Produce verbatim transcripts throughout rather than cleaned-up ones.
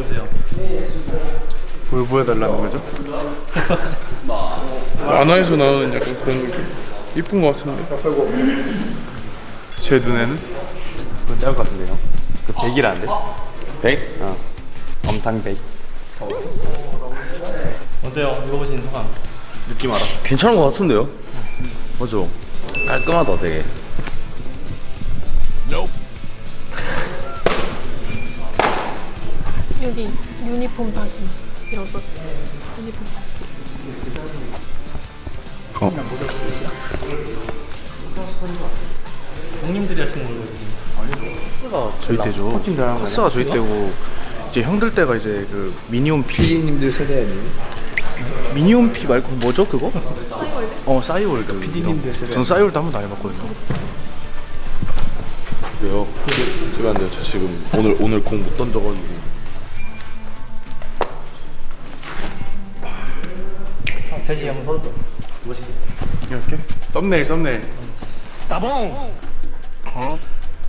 보여주세요. 뭘 보여달라는 거죠? 만화에서 나오는 약간 그런 느낌. 이쁜 거 같은데. 제 눈에는 그건 짧을 것 같은데요. 그 백이라는데? 백? 어. 엄상백. 어때요? 읽어보신 소감. 느낌 알았어. 괜찮은 것 같은데요? 맞아. 깔끔하다 되게. 여기 유니폼 사진 이런 써. 유니폼 사진. 어. 형님들이 하시는 걸로. 카스가 저희 때죠. 카스가 저희 때고 이제 형들 때가 이제 그 미니홈 피디님들 세대 아니에요? 미니홈 피 말고 뭐죠 그거? 싸이월드? 어 싸이월드. 피디님들 세대. 전 싸이월드 한 번도 안 해봤거든요. 왜요? 그러면 안 돼요. 저 지금 오늘 오늘 공 못 던져가지고. 셋이 한번 서도 멋있게. 이렇게 썸네일 썸네일. 따봉. 어?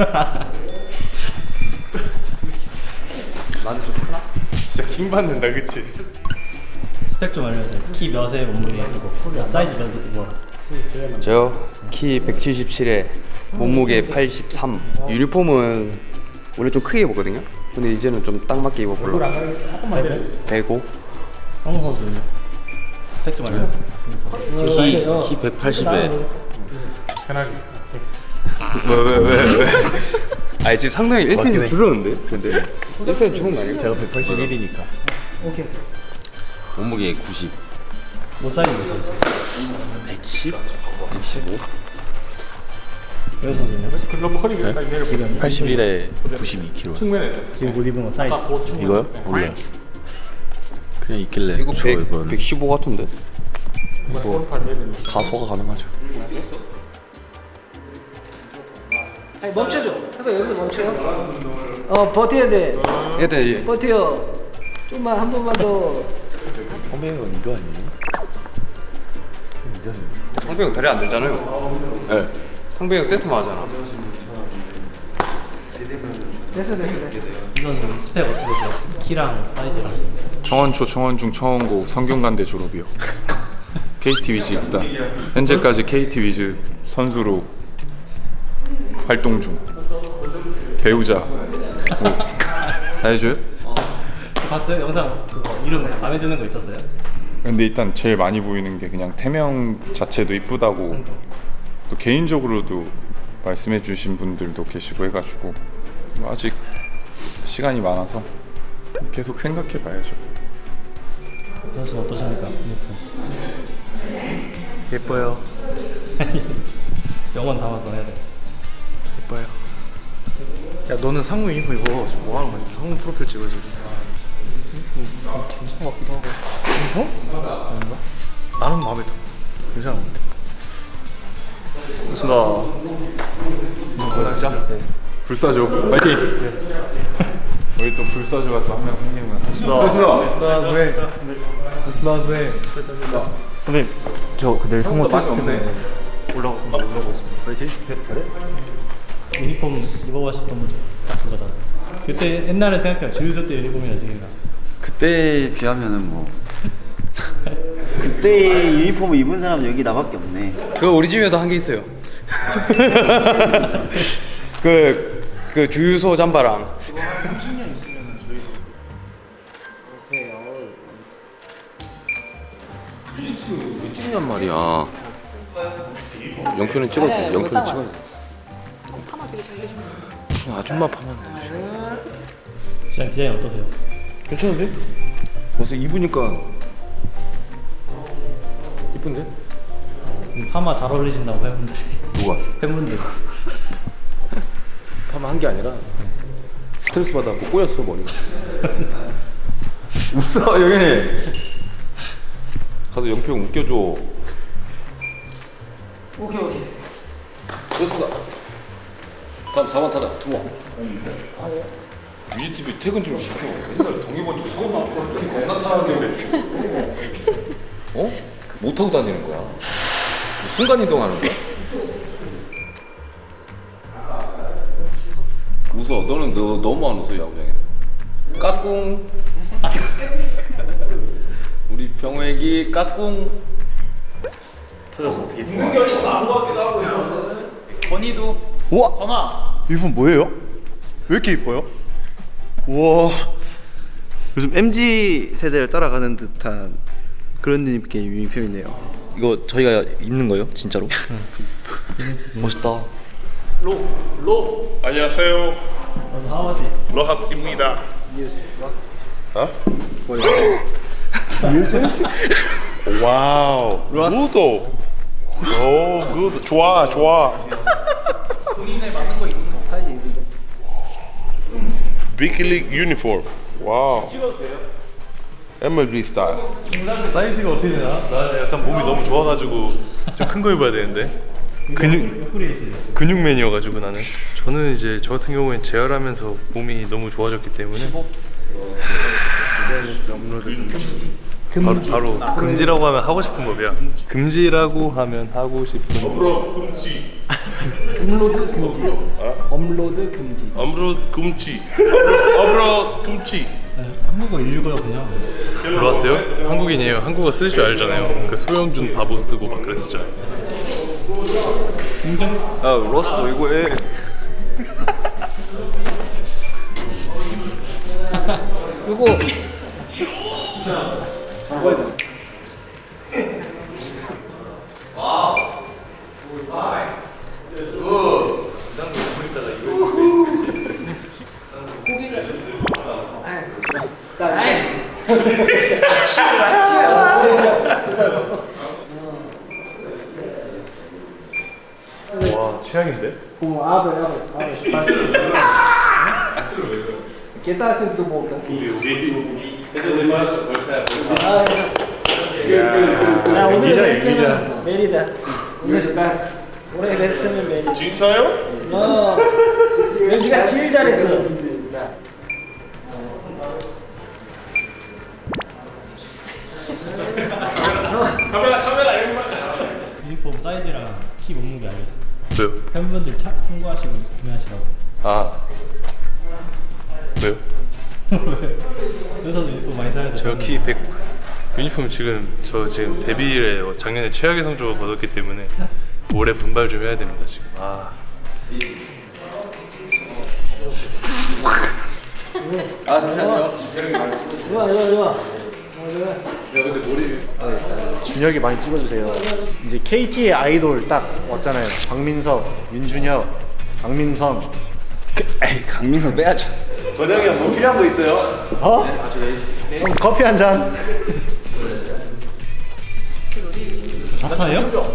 나는 좀 크나? 진짜 킹 받는다 그치? 스펙 좀 알려주세요. 키 몇에 몸무게 이거 사이즈 몇 뭐. 저요? 키 백칠십칠에 몸무게 팔십삼. 유니폼은 원래 좀 크게 입었거든요. 근데 이제는 좀 딱 맞게 입어보려고. 백오. 황 선수는요? 스펙 좀 알려주세요. 키, 키 백팔십에 편하게. 왜왜 왜 왜? 아니 지금 상당히 일 센티미터 줄었는데? 근데 일 센티미터 줄은 거 아니에요? 제가 백팔십일이니까 오케이. 몸무게 구십. 뭐 사이즈 몇이세요? 백십? 백십오? 여기 선수는요? 팔십일에 구십이 킬로그램. 지금 못 입은 거 사이즈. 이거요? 몰라요. 그냥 있길래 이거 주워 입었는데. 백십오 같은데? 뭐 가소가 가능하죠. 아니 멈춰줘. 그래서 여기서 멈춰요. 어 버텨야 돼. 얘들 버텨. 좀만 한 번만 더. 선배님은 이거 아니에요? 상병 다리 안 되잖아요. 네. 상병 세트만 하잖아. 됐어 됐어 됐어. 이 선수는 스펙 어떻게 되세요? 키랑 사이즈랑 하시는 거. 청원초, 청원중, 청원고 성균관대 졸업이요. 케이티 위즈 입단. 현재까지 케이티 위즈 선수로 활동 중. 배우자. 뭐, 다 해줘요? 봤어요? 영상 그거 이름 마음에 드는 거 있었어요? 근데 일단 제일 많이 보이는 게 그냥 태명 자체도 이쁘다고 또 개인적으로도 말씀해 주신 분들도 계시고 해가지고 뭐 아직 시간이 많아서 계속 생각해 봐야죠. 선수 어떠십니까? 예뻐요. 영원 담아서 해야 돼. 예뻐요. 야 너는 상무 유니폼 입어. 뭐 하는 거야? 상무 프로필 찍어야지. 괜찮은 것 같기도 하고. 어? 아닌가? 나는 마음에 들어. 괜찮은 것 같아. 진짜? 네. 불사조 파이팅! 우리 또 불사조가 또 한 명 생기면 고맙습니다. 선배님 저 내일 상무 테스트 때문에 올라오고 올라오고 있습니다. 파이팅! 유니폼 입어보셨던 분 딱 그거다. 그때 옛날에 생각해요. 주유소 때 유니폼이랑 지금이랑. 그때에 비하면은 뭐 그때 유니폼을 입은 사람은 여기 나밖에 없네. 그거 우리 집에도 한 개 있어요. 그, 그 주유소 잠바랑. 왜 찍냔 말이야. 영표는 찍어도 돼. 영표는 찍어도 돼. 파마 되게 잘 되죠. 그냥 아줌마 파면 돼. 시장 디자인 어떠세요? 괜찮은데? 벌써 입으니까 이쁜데? 음, 파마 잘 어울리신다고 팬분들이. 누가? 팬분들. 파마 한 게 아니라 스트레스 받아갖고 꼬였어 머리가. 웃어 영현이. 가서 영표 형 웃겨줘. 오케이 오케이. 좋습니다. 다음 사 번 타자 투어. 뮤직티비 퇴근 좀 시켜. 맨날 동해번쩍 서울만 이렇게 겁나 타는데 어? 못 타고 다니는 거야. 순간 이동하는 거야. 웃어. 너는 너 너무 안 웃어 야구장에서. 까꿍. 우리 병호애기 까꿍. 터졌어 어떻게? 우와! 선아! 유니폼 뭐예요? 왜 이렇게 이뻐요? 우와. 요즘 엠지 세대를 따라가는 듯한 그런 느낌의 유니폼이네요. 이거 저희가 입는 거요? 진짜로? 멋있다. 안녕하세요. 그래서 하와시. 로하스입니다. 어? 와우. 무도. 오, 굿. 좋아, 좋아. 본인에 맞는 거 입는 거 사이즈 입는 거. 비키릭 유니폼. 와우. 엠엘비 스타일. 사이즈가 어떻게 되나? 나 약간 몸이 너무 좋아가지고 좀 큰 거 입어야 되는데 근육 옆구리에 있어요. 근육맨이어가지고 나는 저는 이제 저 같은 경우엔 재활하면서 몸이 너무 좋아졌기 때문에 바로, 바로 금지라고 하면 하고 싶은 법이야. 금지라고 하면 하고 싶은 법. 업로드 금지. 업로드 금지. 업로드 금지. 업로드 금지. 업로드 금지. 한국어 일거든요. 들어왔어요? 한국인이에요. 한국어 쓸 줄 알잖아요. 그 소영준 바보 쓰고 막 그랬었잖아요. 아, 로스도 이거 해. 그리고 와 최악인데? como abre, abre, abre. ¿Qué está haciendo tu boca? 아, 오늘 베스트는 메리다. 오늘 베스트. 올해 베스트는 메리다. 진짜요? 어, 여기가 제일 잘했어. 유니폼 사이즈랑 키 몸무게 알려주세요. 왜요? 팬분들 차 홍보하시고 구매하시라고. 아 왜요? 그래서 유니폼 많이 사야 돼요. 제가 키 백 유니폼 지금 저 지금 데뷔일에 작년에 최악의 성적을 거뒀기 때문에 올해 분발 좀 해야 됩니다 지금. 아 좋아, 좋아, 좋아. 준혁이 많이 찍어주세요. 이제 케이티의 아이돌 딱 왔잖아요. 박민석, 윤준혁, 강민선. 에이, 강민선 빼야죠. 권영이 형 뭐 필요한 거 있어요? 어? 형 커피 한 잔. 자타예요?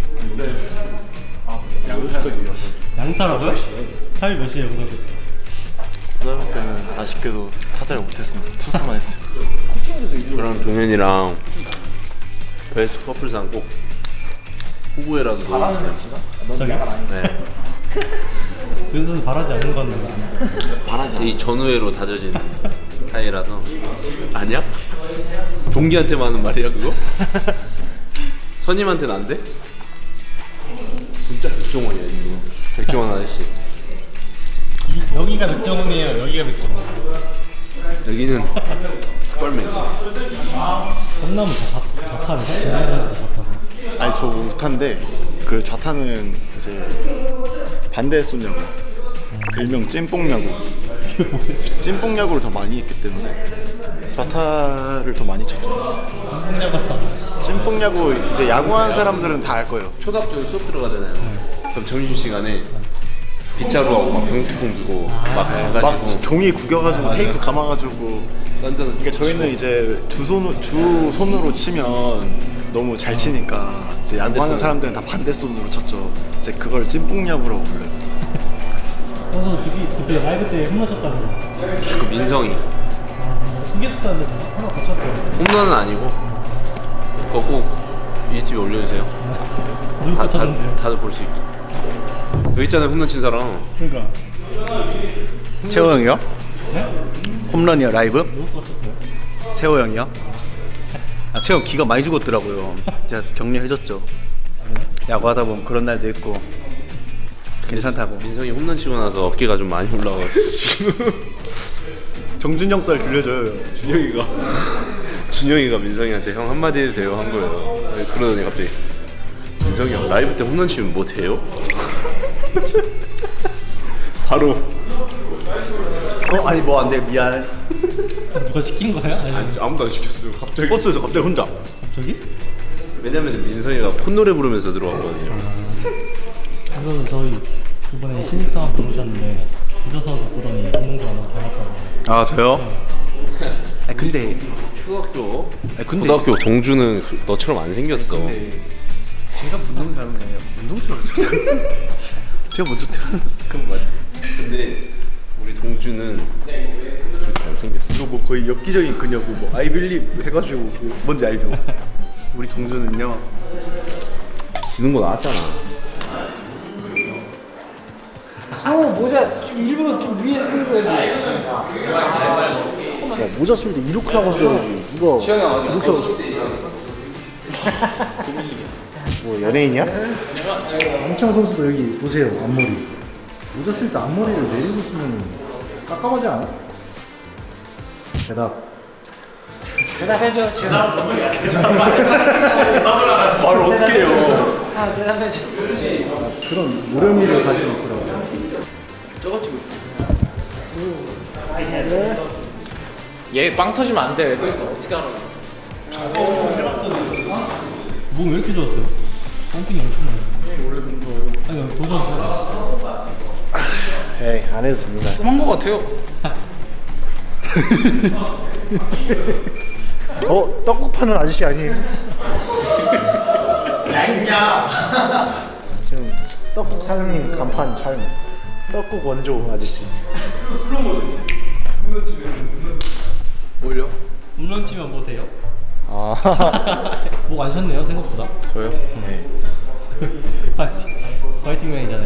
양타라고요? 타일 몇이에요 고등학교 때? 고등학교 때는 아쉽게도 타자를 못했습니다. 투수만 했어요. 그럼 동현이랑 베스트 커플상 꼭 후보에라도 넣어. 저기요? 네. 그래서 바라지 않는 건데. 이 전우회로 다져진 사이라서. 아니야? 동기한테만 하는 말이야 그거? 선임한테는 안 돼? 진짜 백종원이야 이거. 백종원 아저씨. 이, 여기가 맥정원이에요. 여기가 맥정원. 여기는 스펄맨. 홈런은 다 좌타를 해? 선수도 좌타고. 아니 저 우타인데 그 좌타는 이제 반대 쏘냐고. 일명 찐뽕야구. 찐뽕야구를 더 많이 했기 때문에 좌타를 더 많이 쳤죠. 한국야구가 찐뽕야구 이제 야구하는 사람들은 다 알 거예요. 초등학교 수업 들어가잖아요. 그럼 점심시간에 빗자루하고 막 병뚜껑 들고 막 가가지고 막 종이 구겨가지고 테이프 감아가지고. 던져서. 그러니까 저희는 이제 두 손, 두 손으로 치면 너무 잘 치니까 이제 야구하는 사람들은 다 반대 손으로 쳤죠. 이제 그걸 찐뽕야구라고 불러요. 선수 비비 그때 라이브 때 홈런 쳤다면서. 그 민성이 아, 두 개 쳤다는데 하나 더 쳤대요. 홈런은 아니고 그거 꼭 유튜브에 올려주세요. 누구 다, 거 다, 쳤는데요? 다들 볼 수 있게. 여기 있잖아요 홈런 친 사람. 그러니까 채호 형이요? 네? 홈런이요, 라이브? 누구 거 쳤어요? 채호 형이요? 아, 채호 형 기가 많이 죽었더라고요. 제가 격려해줬죠. 야구하다 보면 그런 날도 있고 괜찮다고. 민성이 홈런 치고 나서 어깨가 좀 많이 올라와서 지금 정준영 썰 들려줘요. 준영이가. 준영이가 민성이한테 형 한마디 해도 돼요 한 거예요. 그러더니 갑자기 민성이 형 라이브 때 홈런 치면 뭐 돼요? 바로. 어 아니 뭐 안 돼 미안. 누가 시킨 거야? 아니, 아니, 아무도 안 시켰어요. 갑자기. 버스에서 갑자기 혼자. 갑자기? 왜냐면 민성이가 콧노래 부르면서 들어왔거든요. 그래서 저희 이번에 신입사원 들어오셨는데 이서 선수 보더니 운동장 너무 닮았다고. 아 저요? 아 근데 초등학교. 아 근데 고등학교 동주는 너처럼 안 생겼어. 근데 제가 운동 닮은 게 아니라 운동처럼 제가 먼저 태어난. 그건 맞지. 근데 우리 동주는 그렇게 안 생겼어. 이거 뭐 거의 엽기적인 그녀고 뭐 아이빌립 해가지고 그 뭔지 알죠? 우리 동주는요. 지는 거 나왔잖아. 상호 모자 좀 일부러 좀 위에 쓴 거지. 야, 모자 쓸 때 이렇게 하고 써야지. 누가 이렇게 하고 써. 뭐 연예인이야? 엄청 선수도 여기 보세요 앞머리. 모자 쓸 때 앞머리를 내리고 쓰면 깝깝하지 않아? 대답. 대답해줘. 대답. 말을 어떻게 해요? 아 대답해줘. 그런 노련미를 가지고 있으라고. 얘 빵 터지면 안 돼. 어떻게 하는 몸 왜 이렇게 좋았어요? 펌핑이 엄청 많아요. 원래 몸 좋아요. 아니 도전. 에이 안 해도 됩니다. 좀 한 거 같아요. 어 떡국 파는 아저씨 아니에요? 야 임냐. 지금 떡국 사장님 간판 촬영. 떡국 원조 아저씨. 뭘요? 홈런 치면 뭐 돼요? 아. 목 안 쉬었네요 생각보다. 저요? 네. 파이팅, 파이팅맨이잖아요.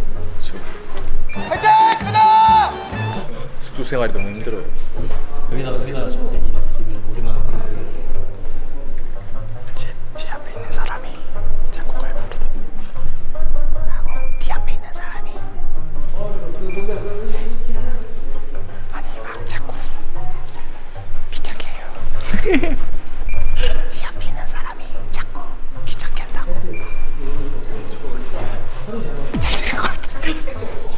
숙소 생활이 너무 힘들어요. 여기다 여기다 여기 입을 우리만. 제, 제 앞에 있는 사람이 자꾸 걸면서 하고 뒤 앞에 있는 사람이 아니 막 자꾸 귀찮게 해요. 뒤 앞에 있는 사람이 자꾸 귀찮게 한다고. 잘 들은 것 같은데.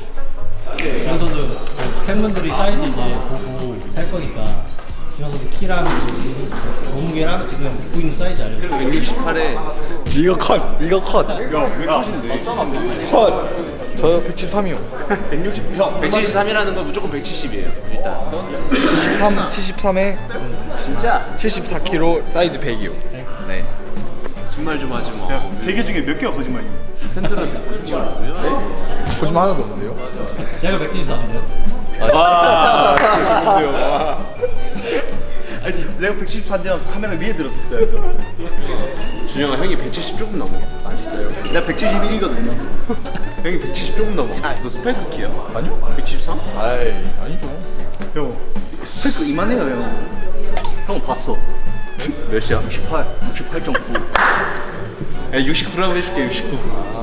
그래서도 팬분들이 사이즈 이제 보고 살 거니까 준영 선수 키랑 지금 몸무게랑 지금 입고 있는 사이즈 알려주세요. 백육십팔에 이거 컷. 이거 컷. 야왜 컷인데? 컷. 저 백칠십삼이요. 백육십 형. 백칠십삼이라는 건 무조건 백칠십이에요. 일단. 칠십삼, 칠십삼에 진짜? 칠십사 킬로그램 사이즈 백이요. 네. 거짓말 좀 하지 마. 세 개 중에 몇 개가 거짓말이에요? 팬들한테 거짓말 뭐야? 거짓말 하나도 없는데요? 제가 백칠십사인데요. 아, 와. 아니 내가 백칠십사인데 카메라 위에 들었었어야죠. 준영아 형이 백칠십 조금 넘어. 아 진짜요? 내가 백칠십일이거든요. 형이 백칠십 조금 넘어. 너 스파이크 키야? 아니요. 백칠십삼? 아이 아니죠. 형 스펙 이만해요 형. 형 봤어. 몇이야? 육십팔. 육십팔 점 구. 야 육십구라고 해줄게. 육십구.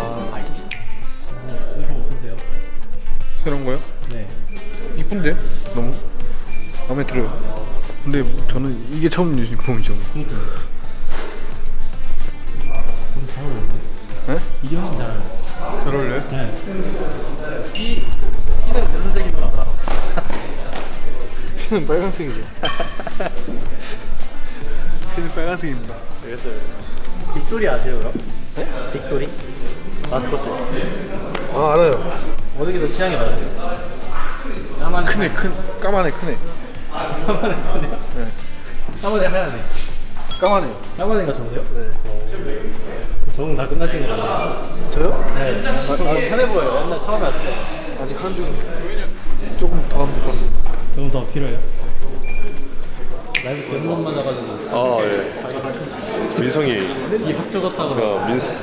유니폼 어떠세요? 새로운 거요? 네. 이쁜데? 너무 마음에 들어요. 근데 저는 이게 처음 유니폼이죠. 그니까요. 우리 잘 어울리네. 네? 이게 훨씬 잘 어울려요. 잘 어울려요? 네. 이, 이는 무슨 색입니까? 피는 빨간색이죠. 피는 빨간색입니다. 알겠어요. 빅토리 아세요 그럼? 네? 빅토리? 마스코트. 아 알아요. 어느 게 더 취향이 맞으세요? 까만 크네 큰 까만해 크네. 까만에 크네요? 네. 까만에 하얗네. 까만해요. 까만애가 좋으세요? 네. 적응 다 끝나신 거잖아요. 저요? 네. 아, 아, 편해 보여요. 옛날 처음에 왔을 때. 아직 한 줄 조금 더 하면 될 것 같습니다. 조금 더 필요해요? 라이브 몇 번 맞아가지고. 아 예. 민성이 이 학교 같다 그러고. 야 민성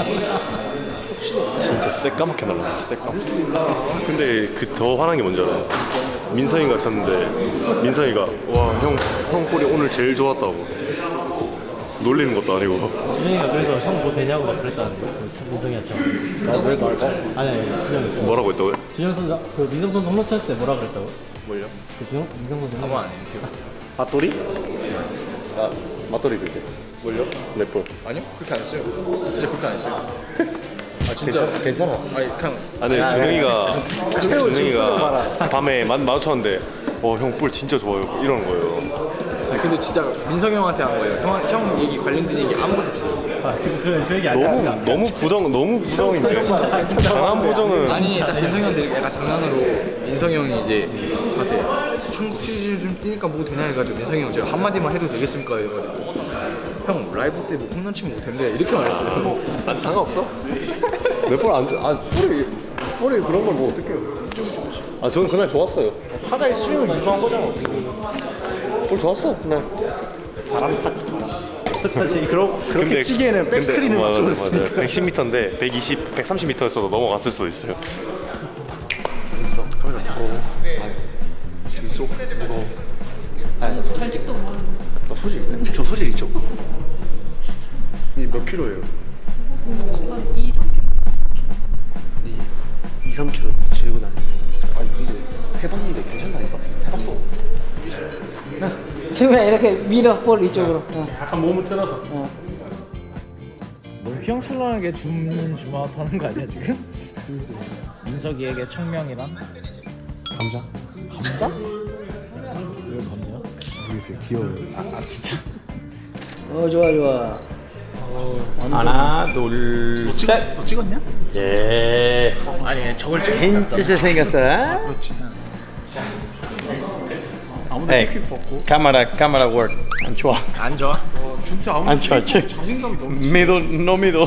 진짜 새까맣게 날라갔어. 새까맣게. 근데 그 더 화난 게 뭔지 알아요? 민성이가 쳤는데 민성이가 와 형 형 볼이 오늘 제일 좋았다고. 놀리는 것도 아니고. 준영이가 그래서 형 뭐 되냐고 막 그랬다는데 그 민성이한테. 나왜 날 봐? 아니 아니 준영이. 뭐라고 했다고요? 준영 선수 그 민성 선수 홈런 쳤을 때 뭐라 그랬다고? 뭘요? 그 준영 민성 선수. 아무 아니에요. 밭돌이? 아 맞돌이 그때. 뭘요? 랩볼. 아니요 그렇게 안 했어요. 진짜 그렇게 안 했어요. 아 진짜 괜찮아. 아니 그냥 아니 준영이가 준영이가 밤에 만 마주쳤는데 어 형 볼 진짜 좋아요 이러는 거예요. 아니, 근데 진짜 민성이 형한테 한 거예요. 형, 형 얘기 관련된 얘기 아무것도 없어요. 아 그 그 얘기 아니야. 너무 너무 부정 너무 부정인데 강한 부정은 아니 딱 민성이 형한테 이렇게 약간 장난으로 민성이 형이 이제 저한테 한국 시리즈 좀 뛰니까 뭐 되냐 해가지고 민성이 형 제가 한마디만 해도 되겠습니까 이래가지고 형 라이브 때 뭐 홈런 치면 뭐 된대 이렇게 말했어요. 아, 상관없어? 내볼안아 볼이 볼이 그런 걸 뭐 어떡해요? 아 저는 그날 좋았어요. 타자의 스윙을 유도한 거잖아. 볼 좋았어 그날. 바람 타치. 사실 그러, 그렇게 치기에는 백스크린을 맞춰 버렸으니까. 백십 미터인데 백이십, 백삼십 미터였어도 넘어갔을 수도 있어요. 재밌어. 무거워. 절직도 뭐. 나 소질 있네. 저 소질 있죠. 이 몇 킬로예요? 한 이, 삼 킬로그램. 이, 삼 킬로 지르고 다니는. 아니 근데 해봤는데 괜찮다니까. 해봤어. 지금은 이렇게 밀어 볼 이쪽으로. 어. 약간 몸을 틀어서. 어. 뭘 휘황찬란하게 줌 줌아웃 하는 거 아니야 지금? 민석이에게 청명이란? 감자? 감자? 왜 감자야? 모르겠어요. 귀여워요. 아, 아 진짜? 어 좋아 좋아. 하나 둘 셋. 너 찍었냐? 예. 아니 저걸 찍을 진짜 잘생겼어. 그렇지. 아무도 Hey, 킥 벗고. camera, camera work. 안 좋아. 안 좋아? 어, 진짜 아무도 안 좋아. 킥 벗고 자신감이 너무 미도, no middle.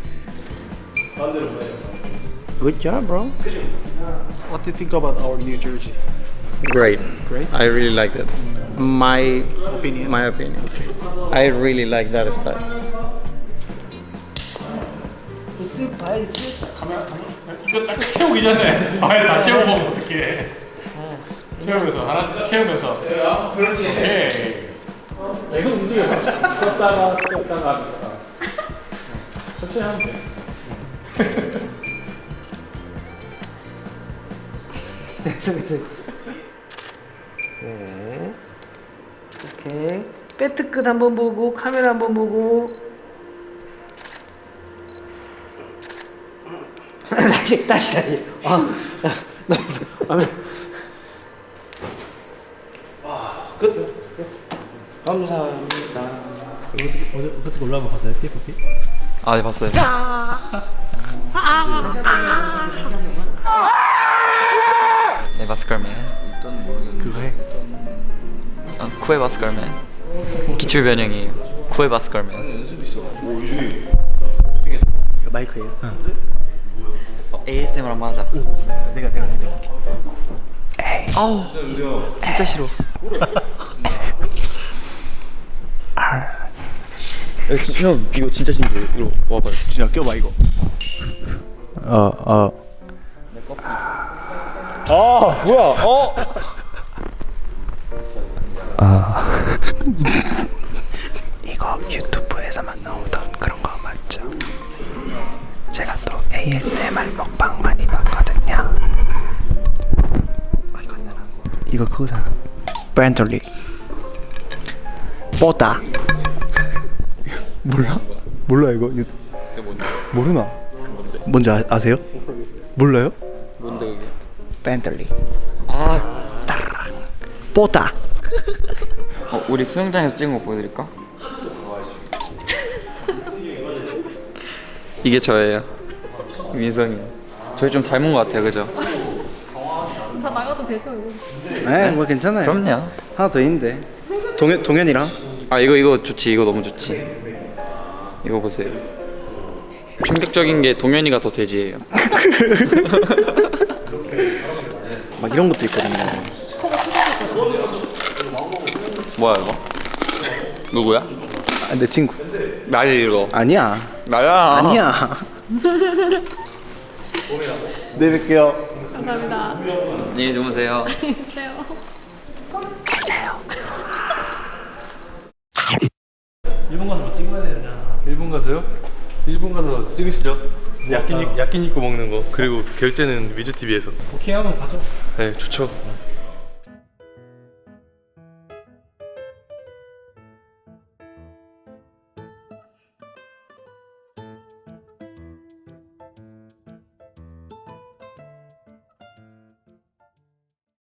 Good job, bro. What do you think about our new jersey? Great. Great? I really like that. My Opinion? My opinion. I really like that style. 쓱 바이스. 이거 딱 채우기 전에 아예 다 채우고 먹으면 어떡해. 채우면서 하나씩 채우면서 그렇지. 오케이. 이거 움직여. 떴다가 떴다가 천천히 하면 돼. 됐어 됐어. 네. 오케이. 배트 끝 한번 보고 카메라 한번 보고. 다시 다시 다시. 아, 아, 아, 끝. 감사합니다. 어제 어제 어제 올라온 거 봤어요? 피에프피? 아, 네 봤어요. 네 바스컬맨. 그거 해. 어, 쿠에 바스컬맨. 기출 변형이에요. 쿠에 바스컬맨. 오 유준이. 이거 마이크예요. 어, 에이에스엠알 한번 하자. 내가 내가 내가. 에이. 아우. 진짜 싫어. 야, 지, 형 이거 진짜 진짜 이거 와봐요. 진짜 껴봐 이거. 아 아. 아 뭐야? 어. 아 이거 유튜브에서만 나오던 그런 거 맞죠? 제가 또 에이에스엠알 먹방 많이 봤거든요. 아 이거 안 되나? 이거 그거잖아. 브랜들리 뽀다. 몰라? 몰라 이거? 이거 모르나? 뭔지 아, 아세요? 몰라요? 뭔데 그게? 벤틀리 아. 뽀다. 어, 우리 수영장에서 찍은 거 보여드릴까? 이게 저예요. 민성이. 저희 좀 닮은 것 같아요, 그죠? 다 나가도 되죠 이거? 네, 뭐 괜찮아요. 그럼요. 하나 더 있는데 동현 동현이랑. 아 이거 이거 좋지. 이거 너무 좋지. 이거 보세요. 충격적인 게 동현이가 더 돼지예요. 막 이런 것도 있거든요. 뭐야 이거? 누구야? 아, 내 친구. 나를 이거. 아니야. 나야. 아니야. 내일 뵐게요. 감사합니다. 안녕히 주무세요. 안녕하세요. 잘 자요. 이번 일본 가서 뭐 찍어야 되잖아. 일본 가서요? 일본 가서 찍으시죠. 야끼니 야끼니쿠 먹는 거. 그리고 결제는 위즈티비에서. 오케이 하면 가죠. 네, 좋죠.